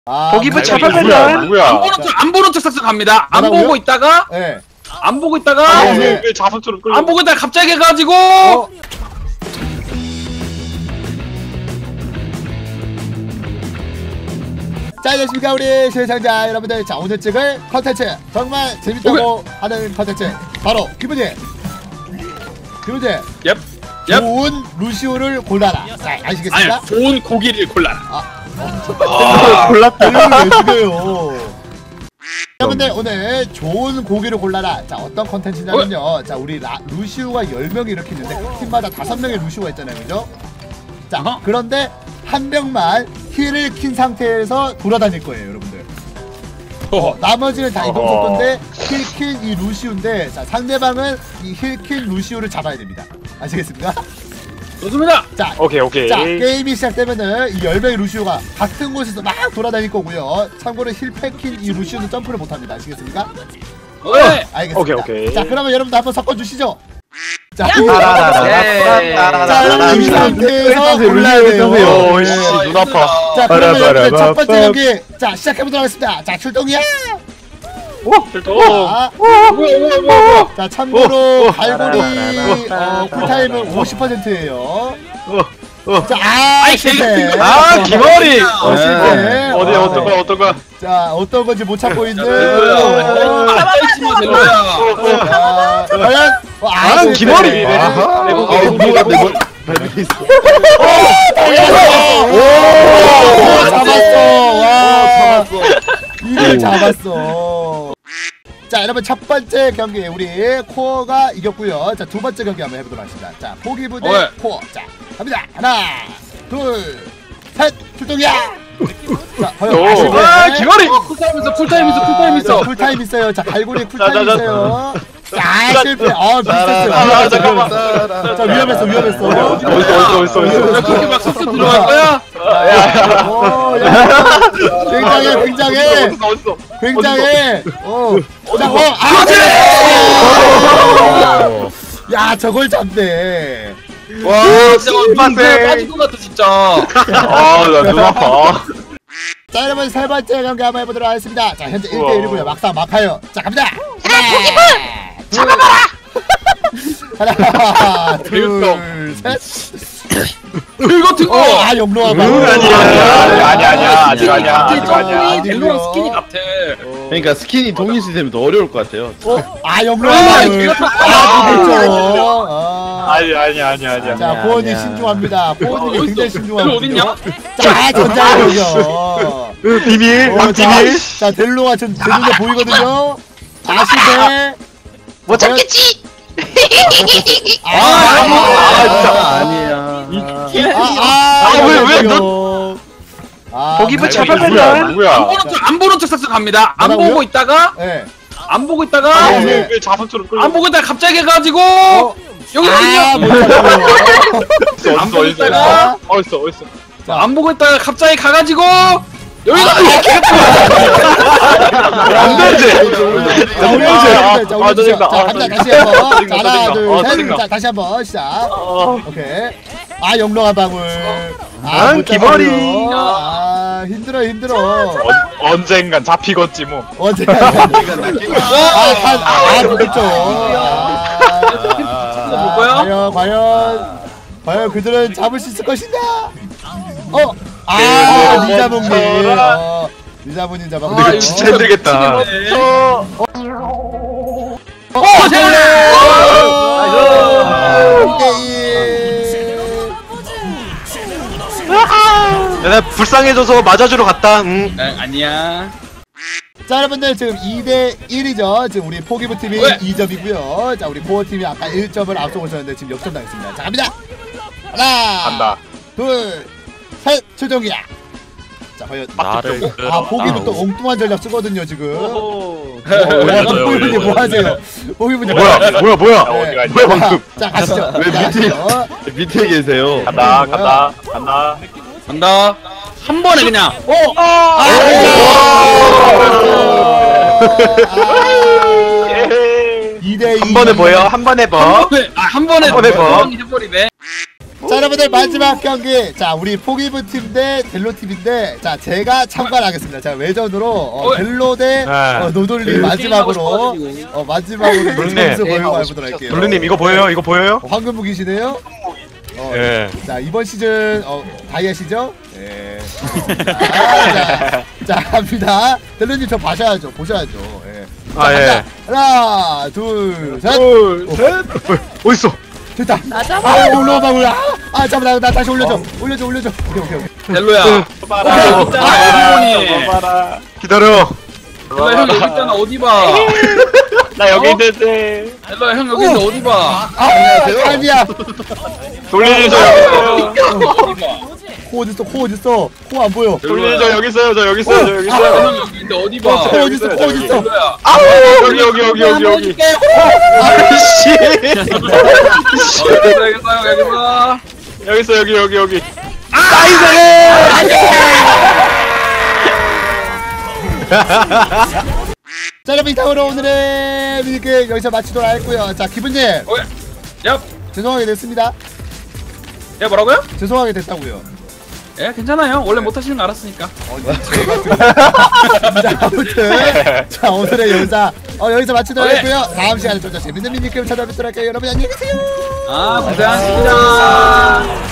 보기부 누구야? 잡아가면 누구야? 안 보는 척 싹싹 갑니다. 안 뭐라고요? 보고 있다가 네. 안 보고 있다가 왜 자석처럼 끌려? 안 보고 있다가 갑자기 해가지고 자, 안녕하십니까 우리 시청자 여러분들. 자, 오늘 찍을 컨텐츠 정말 재밌다고 하는 컨텐츠 바로 기분제 얍. 좋은 루시오를 골라라. 자, 아시겠습니까? 아니 좋은 고기를 골라라. 골랐다. 왜 죽여요? 여러분들 오늘 좋은 고기를 골라라. 자, 어떤 컨텐츠냐면요. 자, 우리 루시오가 10명이 이렇게 있는데 그 팀마다 5명의 루시오가 있잖아요, 그죠? 자, 그런데 한 명만 힐을 킨 상태에서 돌아다닐 거예요, 여러분들. 나머지는 다 이동 속도인데 힐 킨 이 루시오인데, 자, 상대방은 이 힐 킨 루시오를 잡아야 됩니다. 아시겠습니까? 좋습니다. 자, 오케이. 자, 게임이 시작되면은 이 10명의 루시오가 같은 곳에서 막 돌아다닐 거고요. 참고로 힐팩킨 이 루시오는 점프를 못합니다. 아시겠습니까? 네. 알겠습니다. 오케이. 자, 그러면 여러분들 한번 섞어주시죠. 자, 네. 자, 여러분 이 상태에서 골라야 돼요. 오씨 눈 아파. 자, 그러면 여러분들 첫 번째 경기 자, 시작해보도록 하겠습니다. 자, 출동이야. 자, 뭐야. 자, 참고로 갈고리 쿨타임은 50%예요. 자, 아이, 실패. 기머리. 실패. 어떤 거? 자, 어떤 건지 못 찾고 있는. 앉아있지마 델로야. 과연? 나는 기머리. 뭐가 내 머리. 잡았어. 와, 이를 잡았어. 자, 여러분 첫 번째 경기 우리 코어가 이겼고요. 자, 두 번째 경기 한번 해보도록 하겠습니다. 자, 포기부 대 코어. 자, 갑니다. 하나, 둘, 셋, 출동이야. 자, 과연 기머리. 쿨타임 있어. 쿨타임 있어요. 자, 갈고리 쿨타임 있어요. 자, 실패. 비슷했어요. 잠깐만. 자, 위험했어. 어딨어. 이렇게 막 쏙쏙 들어갈 거야? 굉장해. 야, 저걸 잡네. 와 진짜 민폐 빠질 것 같아 진짜. 나 눈 아파. 자, 여러분 세 번째 경기 한번 해보도록 하겠습니다. 자, 현재 1대1이고요. 막상 막하요. 자, 갑니다. 하나, 둘, 셋. 이거 듣고. 영로아 봐. 아니야. 델로랑 스킨이 같아. 그러니까 스킨이 동일 시스템이 더 어려울 것 같아요. 영로아 봐. 아니야. 자, 보원이 신중합니다. 보원이 굉장히 신중합니다. 어딨냐? 자, 전자력이요. 비밀. 비밀. 자, 델로가 제 눈에 보이거든요. 실패. 못 잡겠지. 아니야. 왜 보기부 잡아가면 누구야? 안 보는 척 싹싹 갑니다. 안 뭐라고요? 보고 있다가 네. 안 보고 있다가 왜 자석처럼 끌려? 안 보고 있다가 갑자기 해가지고 여기거든요. 못 안 보고 있다가 어딨어. 안 보고 있다가 갑자기 가가지고 여기가 안 되지. 자, 갑니다. 다시 한번. 자, 하나, 둘, 셋. 자, 다시 한번 시작. 오케이. 영롱한 방울. 못 기머리. 잡아요. 힘들어. 언젠간 잡히겠지 뭐. 언제가 그렇죠. 볼 거야? 과연 그들은 잡을 수 있을 것인가? 리자몽님. 리자몽님 잡았고. 이거 진짜 힘들겠다. 내가 불쌍해져서 맞아주러 갔다. 아니야. 자, 여러분들 지금 2대1이죠. 지금 우리 포기부 팀이 2점이고요. 자, 우리 코어 팀이 아까 1점을 앞서고 있었는데 지금 역전 당했습니다. 자, 갑니다. 하나, 간다. 둘, 셋, 출동이야. 자, 과연 포기부 또 엉뚱한 전략 쓰거든요 지금. 포기부님 뭐 하세요? 포기부님 뭐야? 네. 어디가 방금? 자, 가시죠. 왜 밑에 계세요? 간다. 간다. 한 번에 그냥. 2대2. 한 번에 뭐요? 한 번에 뭐? 한 번에 한 번에 뭐? 해버리네. 자 여러분들 마지막 경기 자 우리 포기부 팀 대 델로 팀인데 자 제가 참관하겠습니다. 제가 외전으로 델로 대 노돌리 마지막으로 마지막으로 놀리님. 점수 보여고 해보도록 할게요. 블루님 이거 보여요? 이거 보여요? 황금 무기시네요. 예. 자 이번 시즌 다이아시죠? 예. 자 갑니다. 델로님 저 봐셔야죠. 보셔야죠. 예. 자, 아, 예. 간다. 하나 둘 셋. 어딨어? 됐다. 맞아. 아 올라와봐 올라. 아 잠깐 나 다시 올려줘. 올려줘. 오케이. 델로야. 봐라. 어디 봐라. 기다려. 델로야 형 여기 있잖아. 어디 봐. 나 여기 있는데. 델로야 형 여기 있는데 어디 봐. 아니야. 돌리님 저 여기 있어요. 어디 봐. 코 어딨어? 코 안 보여. 돌리님 저 여기 있어요. 저 여기 있어요. 저 여기 있어요. 형 여기 있는데 어디 봐. 코 어딨어? 델로야. 여기. 아이씨. 여기 있어. 여기. 자 여러분 이상으로 오늘의 미니게임 여기서 마치도록 하겠고요. 자 기분님 야, 죄송하게 됐습니다. 야 뭐라고요? 죄송하게 됐다고요. 예, 괜찮아요. 원래 못 하시는 거 알았으니까. 자 아무튼 자 오늘의 영상 여기서 마치도록 하겠고요. 다음 시간에 좀 더 재밌는 미니게임 찾아뵙도록 할게요. 여러분 안녕히 계세요. 아, 고생하셨습니다.